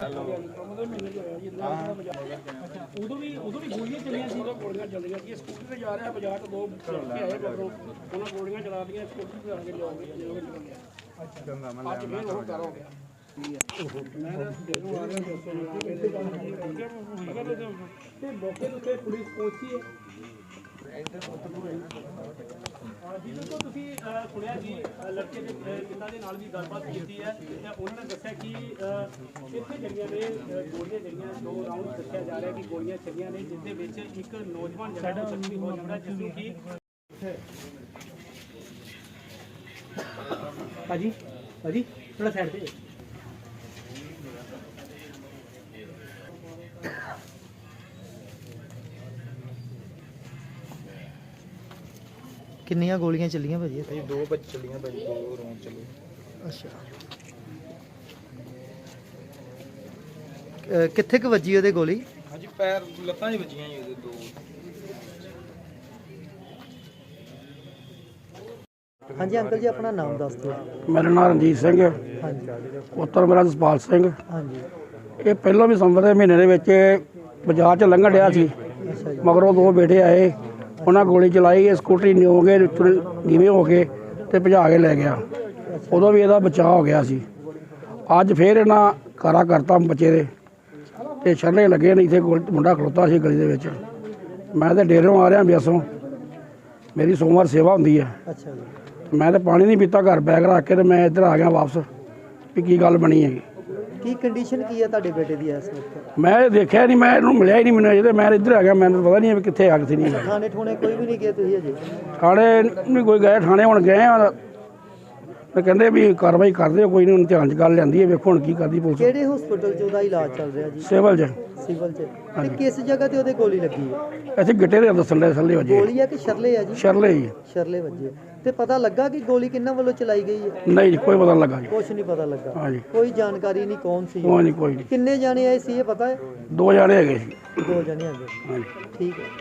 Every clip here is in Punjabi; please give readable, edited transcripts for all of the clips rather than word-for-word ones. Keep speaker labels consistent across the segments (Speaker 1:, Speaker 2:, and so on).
Speaker 1: ਉਦੋਂ ਵੀ ਗੋਲੀਆਂ ਚੱਲੀਆਂ ਸੀ। ਗੋਲੀਆਂ ਚੱਲੀਆਂ ਸੀ। ਸਕੂਟਰ ਤੇ ਜਾ ਰਿਹਾ ਬਾਜ਼ਾਰ ਤੋਂ ਦੋ ਕੇ ਆਏ ਮਗਰੋਂ ਉਹਨਾਂ ਗੋਲੀਆਂ ਚਲਾ ਦਿੱਤੀਆਂ। ਸਕੂਟਰ ਤੇ ਆ ਕੇ ਜਾਓਗੇ ਅੱਜ ਫੇਰ ਉਹ ਕਰ ਹੋ ਗਿਆ। ਤੇ ਮੌਕੇ ਤੇ ਪੁਲਿਸ ਪਹੁੰਚੀ ਹੈ। ਜਿੱਦੋਂ ਤੁਸੀਂ ਸੁਣਿਆ ਜੀ ਲੜਕੇ ਦੇ ਪਿਤਾ ਦੇ ਨਾਲ ਵੀ ਗੱਲਬਾਤ ਕੀਤੀ ਹੈ ਤੇ ਉਹਨਾਂ ਨੇ ਦੱਸਿਆ ਕਿ ਇੱਥੇ ਜਿਹੜੀਆਂ ਨੇ ਗੋਲੀਆਂ ਜਿਹੜੀਆਂ 2 ਰਾਊਂਡ ਦੱਸਿਆ ਜਾ ਰਿਹਾ ਕਿ ਗੋਲੀਆਂ ਚੱਲੀਆਂ ਨੇ, ਜਿਸ ਦੇ ਵਿੱਚ ਇੱਕ ਨੌਜਵਾਨ ਜਿਹੜਾ ਜ਼ਖਮੀ ਹੋ ਜਾਂਦਾ, ਜਿਸ ਨੂੰ ਕਿ ਭਾਜੀ ਥੋੜਾ ਸਾਈਡ ਤੇ
Speaker 2: ਕਿੰਨੀਆਂ ਗੋਲੀਆਂ ਚੱਲੀਆਂ ਭਾਜੀ?
Speaker 3: ਭਾਈ 2 ਬੱਚ ਚੱਲੀਆਂ ਭਾਈ, 2 ਰੌਂਡ ਚੱਲੇ।
Speaker 2: ਅੱਛਾ, ਕਿੱਥੇ ਕੁ ਵੱਜੀ ਉਹਦੇ ਗੋਲੀ?
Speaker 3: ਹਾਂਜੀ ਪੈਰ ਲੱਤਾਂ 'ਚ ਵੱਜੀਆਂ ਜੀ ਉਹਦੇ 2।
Speaker 2: ਹਾਂਜੀ ਅੰਕਲ ਜੀ, ਆਪਣਾ ਨਾਮ ਦੱਸ ਦਿਓ।
Speaker 4: ਮੇਰਾ ਨਾਮ ਰਣਜੀਤ ਸਿੰਘ ਹੈ।
Speaker 2: ਹਾਂਜੀ
Speaker 4: ਪੁੱਤਰ ਮੇਰਾ ਜਸਪਾਲ ਸਿੰਘ।
Speaker 2: ਹਾਂਜੀ।
Speaker 4: ਇਹ ਪਹਿਲਾਂ ਵੀ ਸੰਵਰ ਦੇ ਮਹੀਨੇ ਦੇ ਵਿੱਚ ਬਾਜ਼ਾਰ 'ਚ ਲੰਘਣ ਡਿਆ ਸੀ।
Speaker 2: ਅੱਛਾ ਜੀ।
Speaker 4: ਮਗਰੋਂ 2 ਬੇਟੇ ਆਏ, ਉਹਨਾਂ ਗੋਲੀ ਚਲਾਈ। ਇਹ ਸਕੂਟਰੀ ਨਿਓਗੇ ਨੀਵੇਂ ਹੋ ਕੇ ਤੇ ਭਜਾ ਕੇ ਲੈ ਗਿਆ। ਉਦੋਂ ਵੀ ਇਹਦਾ ਬਚਾਅ ਹੋ ਗਿਆ ਸੀ। ਅੱਜ ਫੇਰ ਇਹਨਾਂ ਕਾਰਾ ਕਰਤਾ ਬੱਚੇ ਦੇ ਤੇ ਛੱਲੇ ਲੱਗੇ ਨੇ। ਇੱਥੇ ਮੁੰਡਾ ਖਲੋਤਾ ਸੀ ਗਲੀ ਦੇ ਵਿੱਚ। ਮੈਂ ਤਾਂ ਡੇਰੋਂ ਆ ਰਿਹਾ ਬਿਆਸੋਂ, ਮੇਰੀ ਸੋਮਵਾਰ ਸੇਵਾ ਹੁੰਦੀ ਹੈ।
Speaker 2: ਅੱਛਾ ਜੀ।
Speaker 4: ਮੈਂ ਤਾਂ ਪਾਣੀ ਨਹੀਂ ਪੀਤਾ, ਘਰ ਬੈਗ ਰੱਖ ਕੇ ਤੇ ਮੈਂ ਇੱਧਰ ਆ ਗਿਆ ਵਾਪਸ ਵੀ ਕੀ ਗੱਲ ਬਣੀ ਹੈਗੀ।
Speaker 2: ਕੀ ਕੰਡੀਸ਼ਨ ਕੀ ਹੈ ਤੁਹਾਡੇ ਬੇਟੇ ਦੀ ਇਸ ਵਕਤ?
Speaker 4: ਮੈਂ ਦੇਖਿਆ ਨਹੀਂ, ਮੈਂ ਇਹਨੂੰ ਮਿਲਿਆ ਹੀ ਨਹੀਂ। ਮੈਨੂੰ ਅਜੇ ਮੈਂ ਇੱਧਰ ਆ ਗਿਆ, ਮੈਨੂੰ ਪਤਾ ਨਹੀਂ ਵੀ ਕਿੱਥੇ ਆ ਕਿੱਥੇ ਨਹੀਂ।
Speaker 2: ਥਾਣੇ ਠੋਣੇ ਕੋਈ ਵੀ ਨਹੀਂ ਗਏ ਤੁਸੀਂ ਅਜੇ?
Speaker 4: ਥਾਣੇ ਨਹੀਂ ਕੋਈ ਗਏ, ਥਾਣੇ ਹੁਣ ਗਏ ਆ। ਮੈਂ ਕਹਿੰਦੇ ਵੀ ਕਾਰਵਾਈ ਕਰਦੇ ਕੋਈ ਨਹੀਂ, ਹੁਣ ਧਿਆਨ 'ਚ ਗੱਲ ਲਿਆਂਦੀ ਹੈ, ਵੇਖੋ ਹੁਣ ਕੀ ਕਰਦੀ ਪੁਲਿਸ।
Speaker 2: ਕਿਹੜੇ ਹਸਪੀਟਲ 'ਚ ਉਹਦਾ ਇਲਾਜ ਚੱਲ ਰਿਹਾ ਜੀ?
Speaker 4: ਸਿਵਲ 'ਚ।
Speaker 2: ਸਿਵਲ 'ਚ। ਤੇ ਕਿਸ ਜਗ੍ਹਾ ਤੇ ਉਹਦੇ ਗੋਲੀ ਲੱਗੀ ਹੈ?
Speaker 4: ਇੱਥੇ ਗਿੱਟੇ ਦੇ ਦੱਸਣ ਦੇ ਥੱਲੇ ਵਜੇ।
Speaker 2: ਗੋਲੀ ਹੈ ਕਿ ਸ਼ਰਲੇ ਹੈ ਜੀ?
Speaker 4: ਸ਼ਰਲੇ ਜੀ।
Speaker 2: ਸ਼ਰਲੇ ਵੱਜੇ। ਤੇ ਪਤਾ ਲੱਗਾ ਕਿ ਗੋਲੀ ਕਿੰਨਾਂ ਵੱਲੋਂ ਚਲਾਈ ਗਈ ਹੈ?
Speaker 4: ਨਹੀਂ ਜੀ, ਕੋਈ ਪਤਾ ਨਹੀਂ ਲੱਗਾ ਜੀ।
Speaker 2: ਕੁਛ ਨਹੀਂ ਪਤਾ ਲੱਗਾ।
Speaker 4: ਹਾਂਜੀ।
Speaker 2: ਕੋਈ ਜਾਣਕਾਰੀ ਨਹੀਂ ਕੌਣ ਸੀ?
Speaker 4: ਕੋਈ ਨਹੀਂ।
Speaker 2: ਕਿੰਨੇ ਜਾਣੇ ਆਏ ਸੀ ਇਹ ਪਤਾ ਹੈ?
Speaker 4: 2 ਜਾਣੇ ਹੈਗੇ ਸੀ।
Speaker 2: 2 ਜਾਣੇ ਹੈਗੇ।
Speaker 4: ਹਾਂਜੀ।
Speaker 2: ਠੀਕ ਹੈ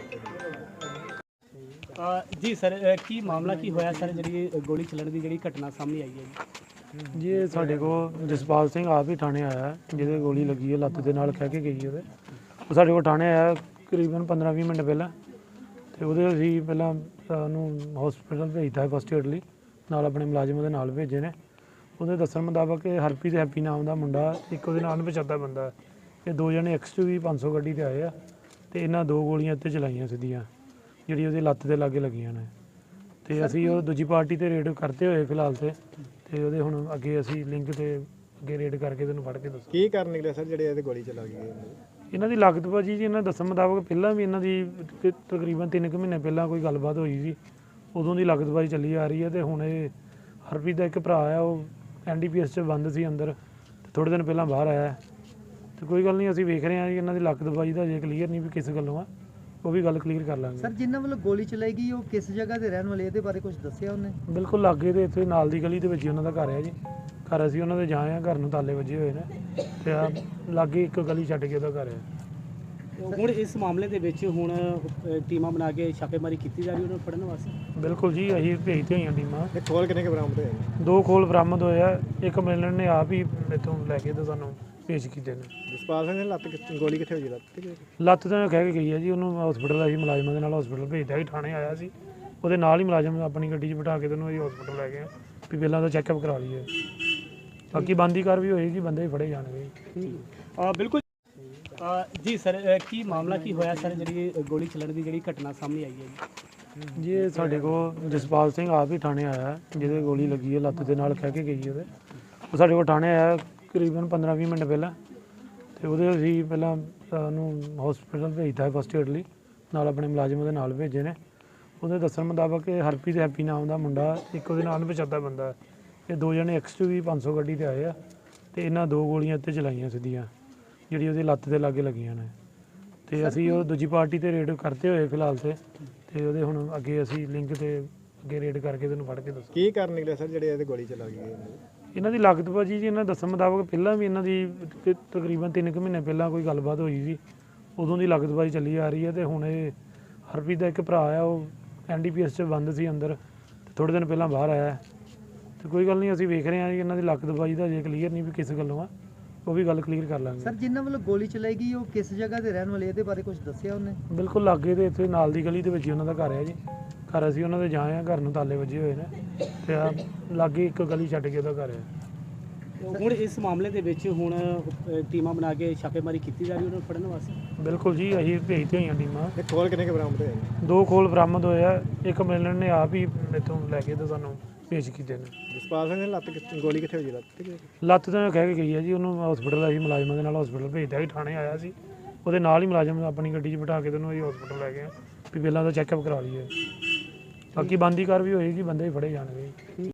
Speaker 1: ਜੀ ਸਰ, ਕੀ ਮਾਮਲਾ ਕੀ ਹੋਇਆ ਸਰ, ਜਿਹੜੀ ਗੋਲੀ ਚੱਲਣ ਦੀ ਜਿਹੜੀ ਘਟਨਾ ਸਾਹਮਣੇ ਆਈ ਹੈ
Speaker 5: ਜੀ? ਇਹ ਸਾਡੇ ਕੋਲ ਜਸਪਾਲ ਸਿੰਘ ਆਪ ਹੀ ਥਾਣੇ ਆਇਆ, ਜਿਹਦੇ ਗੋਲੀ ਲੱਗੀ ਹੈ ਲੱਤ ਦੇ ਨਾਲ, ਖਹਿ ਕੇ ਗਈ ਉਹਦੇ। ਉਹ ਸਾਡੇ ਕੋਲ ਥਾਣੇ ਆਇਆ ਤਕਰੀਬਨ 15-20 ਮਿੰਟ ਪਹਿਲਾਂ, ਤੇ ਉਹਦੇ ਅਸੀਂ ਪਹਿਲਾਂ ਉਹਨੂੰ ਹਸਪੀਟਲ ਭੇਜਤਾ ਫਸਟ ਏਡ ਲਈ, ਨਾਲ ਆਪਣੇ ਮੁਲਾਜ਼ਮਾਂ ਦੇ ਨਾਲ ਭੇਜੇ ਨੇ। ਉਹਦੇ ਦੱਸਣ ਮੁਤਾਬਕ ਹਰਪ੍ਰੀਤ ਹੈਪੀ ਨਾਮ ਦਾ ਮੁੰਡਾ, ਇੱਕ ਉਹਦੇ ਨਾਲ ਅਣਪਛਾਤਾ ਬੰਦਾ। ਇਹ 2 ਜਣੇ XUV 500 ਗੱਡੀ 'ਤੇ ਆਏ ਆ, ਤੇ ਇਹਨਾਂ 2 ਗੋਲੀਆਂ ਇੱਥੇ ਚਲਾਈਆਂ ਸਿੱਧੀਆਂ, ਜਿਹੜੀ ਉਹਦੀ ਲੱਤ ਦੇ ਲਾਗੇ ਲੱਗੀਆਂ ਨੇ। ਤੇ ਅਸੀਂ ਉਹ ਦੂਜੀ ਪਾਰਟੀ 'ਤੇ ਰੇਡ ਕਰਤੇ ਹੋਏ ਫਿਲਹਾਲ ਤੇ ਉਹਦੇ ਹੁਣ ਅੱਗੇ ਅਸੀਂ ਲਿੰਕ 'ਤੇ ਅੱਗੇ ਰੇਡ ਕਰਕੇ ਤੈਨੂੰ ਫੜ ਕੇ ਦੱਸਾਂ
Speaker 3: ਕੀ ਕਰਨ ਨਿਕਲਿਆ ਸਰ ਜਿਹੜੇ ਇਹਦੇ ਗੋਲੀ ਚਲਾ ਗਈ?
Speaker 5: ਇਹਨਾਂ ਦੀ ਲਾਗਤਬਾਜੀ ਜੀ, ਇਹਨਾਂ ਦੱਸਣ ਮੁਤਾਬਕ ਪਹਿਲਾਂ ਵੀ ਇਹਨਾਂ ਦੀ ਤਕਰੀਬਨ 3 ਕੁ ਮਹੀਨੇ ਪਹਿਲਾਂ ਕੋਈ ਗੱਲਬਾਤ ਹੋਈ ਸੀ, ਉਦੋਂ ਦੀ ਲਾਗਤਬਾਜੀ ਚੱਲੀ ਆ ਰਹੀ ਹੈ। ਤੇ ਹੁਣ ਇਹ ਹਰਪ੍ਰੀਤ ਦਾ ਇੱਕ ਭਰਾ ਆ, ਉਹ NDPS 'ਚ ਬੰਦ ਸੀ ਅੰਦਰ, ਤੇ ਥੋੜ੍ਹੇ ਦਿਨ ਪਹਿਲਾਂ ਬਾਹਰ ਆਇਆ। ਤੇ ਕੋਈ ਗੱਲ ਨਹੀਂ, ਅਸੀਂ ਵੇਖ ਰਹੇ ਹਾਂ ਜੀ ਇਹਨਾਂ ਦੀ ਲਾਗਤਬਾਜੀ ਦਾ ਜੇ ਕਲੀਅਰ ਨਹੀਂ ਵੀ ਕਿਸ ਗੱਲੋਂ ਆ, ਉਹ ਵੀ ਗੱਲ ਕਲੀਅਰ ਕਰ ਲਾਂਗੇ।
Speaker 2: ਸਰ, ਜਿਨ੍ਹਾਂ ਵੱਲੋਂ ਗੋਲੀ ਚਲਾਈ ਗਈ ਉਹ ਕਿਸ ਜਗ੍ਹਾ ਦੇ ਰਹਿਣ ਵਾਲੇ, ਇਹਦੇ ਬਾਰੇ ਕੁਝ ਦੱਸਿਆ ਉਹਨੇ?
Speaker 5: ਬਿਲਕੁਲ ਲਾਗੇ ਦੇ ਇੱਥੇ ਨਾਲ ਦੀ ਗਲੀ ਦੇ ਵਿੱਚ ਉਹਨਾਂ ਦਾ ਘਰ ਹੈ ਜੀ। ਘਰ ਅਸੀਂ ਉਹਨਾਂ ਦੇ ਜਾਏ ਆ, ਘਰ ਨੂੰ ਤਾਲੇ ਵੱਜੇ ਹੋਏ ਨੇ, ਤੇ ਆ ਲਾਗੇ ਇੱਕ ਗਲੀ ਛੱਡ ਕੇ ਉਹਦਾ ਘਰ ਹੈ।
Speaker 1: ਹੁਣ ਇਸ ਮਾਮਲੇ ਦੇ ਵਿੱਚ ਹੁਣ ਟੀਮਾਂ ਬਣਾ ਕੇ ਛਾਪੇਮਾਰੀ ਕੀਤੀ ਜਾ ਰਹੀ ਉਹਨਾਂ ਨੂੰ ਫੜਨ ਵਾਸਤੇ?
Speaker 5: ਬਿਲਕੁਲ ਜੀ, ਅਸੀਂ ਭੇਜਦੇ ਹੋਈਆਂ ਟੀਮਾਂ।
Speaker 3: ਇਹ ਖੋਲ ਕਿੰਨੇ ਕੇ ਬਰਾਮਦ ਹੋਏ?
Speaker 5: 2 ਖੋਲ ਬਰਾਮਦ ਹੋਏ ਆ, ਇੱਕ ਮਿਲਣ ਨੇ ਆਪ ਹੀ ਇੱਥੋਂ ਲੈ ਕੇ ਤੇ ਸਾਨੂੰ ਪੇਸ਼ ਕੀਤੇ ਨੇ।
Speaker 3: ਜਸਪਾਲ ਸਿੰਘ ਦੀ ਗੋਲੀ ਕਿੱਥੇ ਹੋਈ?
Speaker 5: ਲੱਤ ਤਾਂ ਕਹਿ ਕੇ ਗਈ ਹੈ ਜੀ, ਉਹਨੂੰ ਹਸਪੀਟਲ ਅਸੀਂ ਮੁਲਾਜ਼ਮਾਂ ਦੇ ਨਾਲ ਹਸਪੀਟਲ ਭੇਜਦਾ ਸੀ, ਥਾਣੇ ਆਇਆ ਸੀ, ਉਹਦੇ ਨਾਲ ਹੀ ਮੁਲਾਜ਼ਮ ਆਪਣੀ ਗੱਡੀ 'ਚ ਬਿਠਾ ਕੇ ਤੈਨੂੰ ਅਸੀਂ ਹਸਪੀਟਲ ਲੈ ਗਏ ਵੀ ਪਹਿਲਾਂ ਤਾਂ ਚੈੱਕਅਪ ਕਰਾ ਲਈਏ, ਬਾਕੀ ਬੰਦੀ ਕਾਰ ਵੀ ਹੋਏਗੀ, ਬੰਦੇ ਵੀ ਫੜੇ ਜਾਣਗੇ।
Speaker 1: ਬਿਲਕੁਲ ਜੀ ਸਰ, ਕੀ ਮਾਮਲਾ ਕੀ ਹੋਇਆ ਸਰ, ਜਿਹੜੀ ਗੋਲੀ ਚੱਲਣ ਦੀ ਜਿਹੜੀ ਘਟਨਾ ਸਾਹਮਣੇ ਆਈ ਹੈ
Speaker 5: ਜੀ? ਇਹ ਸਾਡੇ ਕੋਲ ਜਸਪਾਲ ਸਿੰਘ ਆਪ ਹੀ ਥਾਣੇ ਆਇਆ, ਜਿਹਦੇ ਗੋਲੀ ਲੱਗੀ ਹੈ ਲੱਤ ਦੇ ਨਾਲ, ਖਹਿ ਕੇ ਗਈ ਉਹਦੇ। ਉਹ ਸਾਡੇ ਕੋਲ ਥਾਣੇ ਆਇਆ ਤਕਰੀਬਨ 15-20 ਮਿੰਟ ਪਹਿਲਾਂ, ਤੇ ਉਹਦੇ ਅਸੀਂ ਪਹਿਲਾਂ ਉਹਨੂੰ ਹਸਪੀਟਲ ਭੇਜਤਾ ਫਸਟ ਏਡ ਲਈ, ਨਾਲ ਆਪਣੇ ਮੁਲਾਜ਼ਮਾਂ ਦੇ ਨਾਲ ਭੇਜੇ ਨੇ। ਉਹਦੇ ਦੱਸਣ ਮੁਤਾਬਕ ਹਰਪ੍ਰੀਤ ਹੈਪੀ ਨਾਮ ਦਾ ਮੁੰਡਾ, ਇੱਕ ਉਹਦੇ ਨਾਲ ਅਣਪਛਾਤਾ ਬੰਦਾ। ਇਹ 2 ਜਣੇ XUV 500 ਗੱਡੀ 'ਤੇ ਆਏ ਆ, ਤੇ ਇਹਨਾਂ 2 ਗੋਲੀਆਂ ਇੱਥੇ ਚਲਾਈਆਂ ਸਿੱਧੀਆਂ, ਜਿਹੜੀ ਉਹਦੀ ਲੱਤ ਦੇ ਲਾਗੇ ਲੱਗੀਆਂ ਨੇ। ਤੇ ਅਸੀਂ ਉਹ ਦੂਜੀ ਪਾਰਟੀ 'ਤੇ ਰੇਡ ਕਰਤੇ ਹੋਏ ਫਿਲਹਾਲ ਤੇ ਉਹਦੇ ਹੁਣ ਅੱਗੇ ਅਸੀਂ ਲਿੰਕ 'ਤੇ ਅੱਗੇ ਰੇਡ ਕਰਕੇ ਤੈਨੂੰ ਫੜ ਕੇ ਦੱਸਾਂ।
Speaker 3: ਕੀ ਕਰਨ ਨਿਕਲਿਆ ਸਰ ਜਿਹੜੇ ਇਹਦੇ ਗੋਲੀ ਚਲਾ ਗਈ?
Speaker 5: ਇਹਨਾਂ ਦੀ ਲਾਗਤਬਾਜੀ ਜੀ, ਇਹਨਾਂ ਦੱਸਣ ਮੁਤਾਬਕ ਪਹਿਲਾਂ ਵੀ ਇਹਨਾਂ ਦੀ ਤਕਰੀਬਨ 3 ਕੁ ਮਹੀਨੇ ਪਹਿਲਾਂ ਕੋਈ ਗੱਲਬਾਤ ਹੋਈ ਸੀ, ਉਦੋਂ ਦੀ ਲਾਗਤਬਾਜੀ ਚੱਲੀ ਆ ਰਹੀ ਹੈ। ਤੇ ਹੁਣ ਇਹ ਹਰਪ੍ਰੀਤ ਦਾ ਇੱਕ ਭਰਾ ਆ, ਉਹ NDPS 'ਚ ਬੰਦ ਸੀ ਅੰਦਰ, ਤੇ ਥੋੜ੍ਹੇ ਦਿਨ ਪਹਿਲਾਂ ਬਾਹਰ ਆਇਆ। ਤੇ ਕੋਈ ਗੱਲ ਨਹੀਂ, ਅਸੀਂ ਵੇਖ ਰਹੇ ਹਾਂ ਜੀ ਇਹਨਾਂ ਦੀ ਲਾਗਤਬਾਜੀ ਦਾ ਜੇ ਕਲੀਅਰ ਨਹੀਂ ਵੀ ਕਿਸ ਗੱਲੋਂ ਆ, ਉਹ ਵੀ ਗੱਲ ਕਲੀਅਰ ਕਰ ਲਾਂਗੇ
Speaker 2: ਸਰ ਜਿਨ੍ਹਾਂ ਵੱਲੋਂ ਗੋਲੀ ਚਲਾਈ ਗਈ ਉਹ ਕਿਸ ਜਗ੍ਹਾ ਦੇ ਰਹਿਣ ਵਾਲੇ ਇਹਦੇ ਬਾਰੇ ਕੁਝ ਦੱਸਿਆ ਉਹਨੇ?
Speaker 5: ਬਿਲਕੁਲ ਲਾਗੇ ਤੇ ਇੱਥੇ ਨਾਲ ਦੀ ਗਲੀ ਦੇ ਵਿੱਚ ਹੀ ਉਹਨਾਂ ਦਾ ਘਰ ਹੈ ਜੀ। ਘਰ ਅਸੀਂ ਉਹਨਾਂ ਦੇ ਜਾਏ ਆ, ਘਰ ਨੂੰ ਤਾਲੇ ਵੱਜੇ ਹੋਏ ਨੇ ਤੇ ਆ ਲਾਗੇ ਇੱਕ ਗਲੀ ਛੱਡ ਕੇ ਉਹਦਾ ਘਰ ਹੈ।
Speaker 1: ਹੁਣ ਇਸ ਮਾਮਲੇ ਦੇ ਵਿੱਚ ਹੁਣ ਟੀਮਾਂ ਬਣਾ ਕੇ ਛਾਪੇਮਾਰੀ ਕੀਤੀ ਜਾ ਰਹੀ ਉਹਨਾਂ ਨੂੰ ਫੜਨ ਵਾਸਤੇ।
Speaker 5: ਬਿਲਕੁਲ ਜੀ, ਅਸੀਂ ਭੇਜਦੇ ਹੋਈਆਂ ਟੀਮਾਂ।
Speaker 3: ਇਹ ਖੋਲ ਕਿੰਨੇ ਕੁ ਬਰਾਮਦ ਹੋਏ ਨੇ?
Speaker 5: 2 ਖੋਲ ਬਰਾਮਦ ਹੋਏ ਆ, ਇੱਕ ਮਿਲਣ ਨੇ ਆਪ ਹੀ ਇੱਥੋਂ ਲੈ ਕੇ ਤੇ ਸਾਨੂੰ ਭੇਜ ਕੀਤੇ ਨੇ।
Speaker 3: ਜਸਪਾਲ ਸਿੰਘ ਦੀ ਗੋਲੀ ਕਿੱਥੇ ਹੋਈ ਲੱਤ ਤੇ?
Speaker 5: ਲੱਤ ਤਾਂ ਕਹਿ ਕੇ ਗਈ ਹੈ ਜੀ, ਉਹਨੂੰ ਹਸਪੀਟਲ ਅਸੀਂ ਮੁਲਾਜ਼ਮਾਂ ਦੇ ਨਾਲ ਹਸਪੀਟਲ ਭੇਜਦਾ ਸੀ, ਥਾਣੇ ਆਇਆ ਸੀ, ਉਹਦੇ ਨਾਲ ਹੀ ਮੁਲਾਜ਼ਮ ਆਪਣੀ ਗੱਡੀ 'ਚ ਬਿਠਾ ਕੇ ਤੈਨੂੰ ਅਸੀਂ ਹਸਪੀਟਲ ਲੈ ਗਏ ਵੀ ਪਹਿਲਾਂ ਤਾਂ ਚੈੱਕਅਪ ਕਰਾ ਲਈਏ, ਬਾਕੀ ਬੰਦੀ ਕਾਰਵਾਈ ਹੋਏਗੀ, ਬੰਦੇ ਹੀ ਫੜੇ ਜਾਣਗੇ।